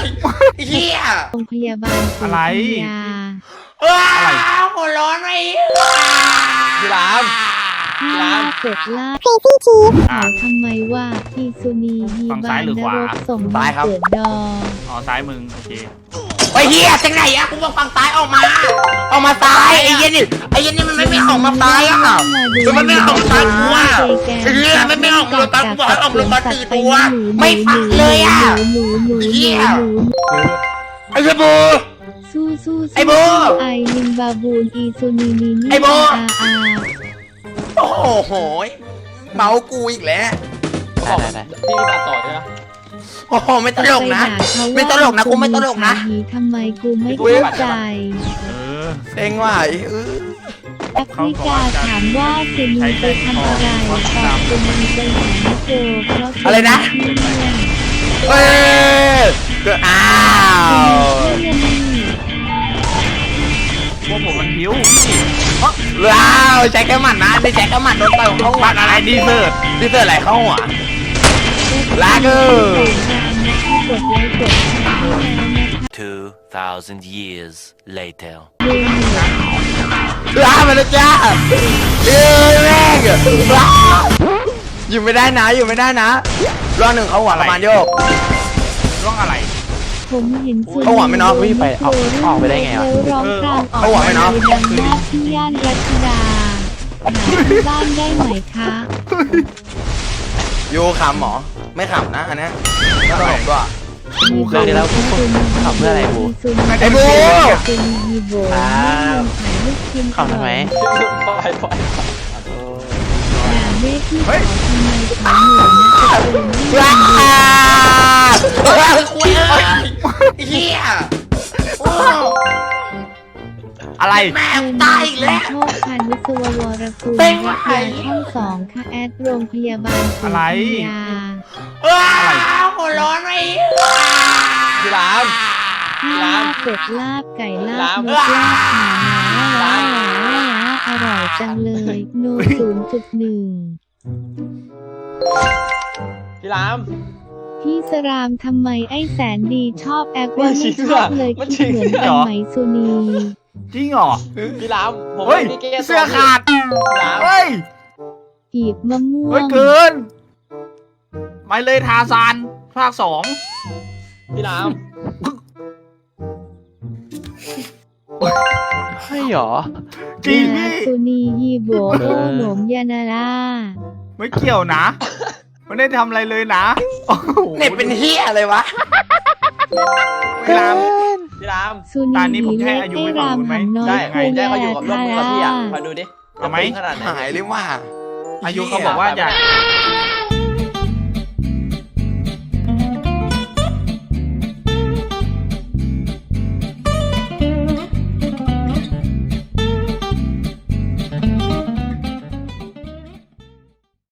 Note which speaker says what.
Speaker 1: เฮีย
Speaker 2: โรงพยาบาลศรี
Speaker 3: อะไร
Speaker 2: ธัญญา
Speaker 1: หัวร้อนไอ้
Speaker 4: พี่ราม
Speaker 2: ล่าเสร็จล่า
Speaker 5: ครีซี่ชีฟ
Speaker 2: เขาทำไมว่าอีซูนีฮี
Speaker 3: ฝั่ง
Speaker 2: บา
Speaker 3: ซ้าย
Speaker 2: น
Speaker 3: หรือน ขวา
Speaker 2: รกส่งมาเกิดดอ
Speaker 3: อ๋อซ้ายมึงโอเค
Speaker 1: ไอ้เฮียจังไหนอะกูบอกฝั่งซ้ายออกมาซ้ายไอ้เหี้ยนี่มันไม่ออกมาซ้ายอะมันไม่ออกมาซ้ายกูอะไอ้เฮียมันไม่ออกมาซ้ายกูบอกให้ออกมา4 ตัวไม่ฟังเลยอะ
Speaker 2: หนู
Speaker 1: เหี้ย ไอ้เหี้ยบู
Speaker 2: สู้
Speaker 1: ไอ้โบ
Speaker 2: ไอลิงบาบูนอีซูนีนีนี่
Speaker 1: ไอ้โบ
Speaker 2: อา
Speaker 1: โอ้โหเมากูอีกแล้ว
Speaker 4: ได้พี่ตัดต่อใช่ไหม
Speaker 1: โอ้โหไม่ตลกนะ ไม่ตลกนะกูไม่ตลกนะ
Speaker 2: ทำไมกูไม่เข้าใจ
Speaker 3: เออ
Speaker 1: เซ็งว่ะ
Speaker 2: แอฟริกาถามว่าเซนีไปทำอะไรตอบเซนีไปหาไม่เจอเพราะ
Speaker 1: อะไรนะ เอ้ยอ้าว
Speaker 3: พวกผมมันผิว
Speaker 1: ว้าวใช้แค่หมัดนะไม่ใช้แค่หมัดโดนต่อยเข้าหัว
Speaker 3: มันอะไรดีเซิร์ต
Speaker 1: ดีเซอร์อะไรเข้าหัวลาเกอร์
Speaker 2: กดไลค์กดแชร์ให้แล้วนะคะ
Speaker 6: 2,000 years later.
Speaker 1: ลาไปแล้วจ้าแม่งอยู่ไม่ได้นะอยู่ไม่ได้นะรอบหนึ่งเขาหัวประมาณโยก
Speaker 3: ร่องอะไร
Speaker 2: ผมเห็นซู
Speaker 1: เขาหวังไหมเนาะ
Speaker 4: วิ่งไปออกไปได้ไงวะ
Speaker 2: แล้วร้องครางออก
Speaker 1: เขาหวังไหมเนาะ
Speaker 2: ดังมากที่ย่านรัชดาหาที่บ้านได้ไหมคะ
Speaker 1: โยขำหมอไม่ขำนะอันนี้ไม่ตลกด้วย
Speaker 4: เรื่องนี้แล้วขับเพื่ออะไรบู
Speaker 1: ไอ้บู
Speaker 2: ซูนีฮีโบ
Speaker 4: ครับ
Speaker 2: ขายลูกชิ้น
Speaker 4: ขับทำไม
Speaker 2: ด่าเมฆที่เขาทำไมเขาหนูนะตะโกนไม่
Speaker 1: ว้า
Speaker 2: หยุด
Speaker 1: คุยเฮีย
Speaker 3: อะไร
Speaker 1: แม่ตายอีกแล้ว
Speaker 2: โชคพันวิศววรกุล
Speaker 1: เป็น
Speaker 2: วิท
Speaker 1: ไง
Speaker 2: ยาช่องสองค่ะแอดโรงพยาบาลศรี
Speaker 3: อะไร
Speaker 2: ธัญญา
Speaker 1: หัวร้อนไอ้
Speaker 4: พี่ราม
Speaker 2: ลาบเป็ดลาบไก่ลาบ
Speaker 4: ลาม
Speaker 2: นกลาบหมาลาอร่อยจังเลยโน0.1
Speaker 4: พี่ราม
Speaker 2: พี่สรามทำไมไอ้แสนดีชอบแอคว่า
Speaker 4: ไม่จริ
Speaker 2: ไม่
Speaker 4: ง
Speaker 2: ชอบเลย
Speaker 4: มัน
Speaker 2: คิดเหมือน
Speaker 4: จริง
Speaker 2: กัน
Speaker 3: เหรอ
Speaker 2: ไหมสุนี
Speaker 3: จริงเหรอ
Speaker 4: พี่รามผม
Speaker 3: เฮ้ย
Speaker 4: ไม่ได้แก้ตัว
Speaker 3: เสื้อขาด
Speaker 4: พี่ราม
Speaker 3: เฮ้ย
Speaker 2: กีบมะม่ว
Speaker 3: เฮ้ย
Speaker 2: ง
Speaker 3: เกินไปเลยทาซานภาค
Speaker 4: พี่รามใช่หรอ
Speaker 3: 2จริง
Speaker 2: นา
Speaker 3: พี่
Speaker 2: สุนียีโบโอโหนมยานาลา
Speaker 3: ไม่เกี่ยวนะไม่ได้ทำอะไรเลยนะโอ้โห
Speaker 1: เน็ตเป็นเฮียอะไรวะ
Speaker 3: พี่ราม
Speaker 4: พี่ราม
Speaker 2: สุนี
Speaker 3: ตอนนี้ผมแค่อายุ
Speaker 2: ให้
Speaker 3: ไม่
Speaker 2: ราม
Speaker 3: ถึงไหม
Speaker 2: หำน้อย
Speaker 4: ได้
Speaker 2: คุ
Speaker 4: ได้
Speaker 2: ยา
Speaker 4: เขาอยู่กับร่วมมือกับพี่อ่ะคอยดูดิ
Speaker 3: เอาไหม
Speaker 4: ขนาดไหน
Speaker 1: หายเลยว่า
Speaker 3: อายุเขาบอกว่าอยาก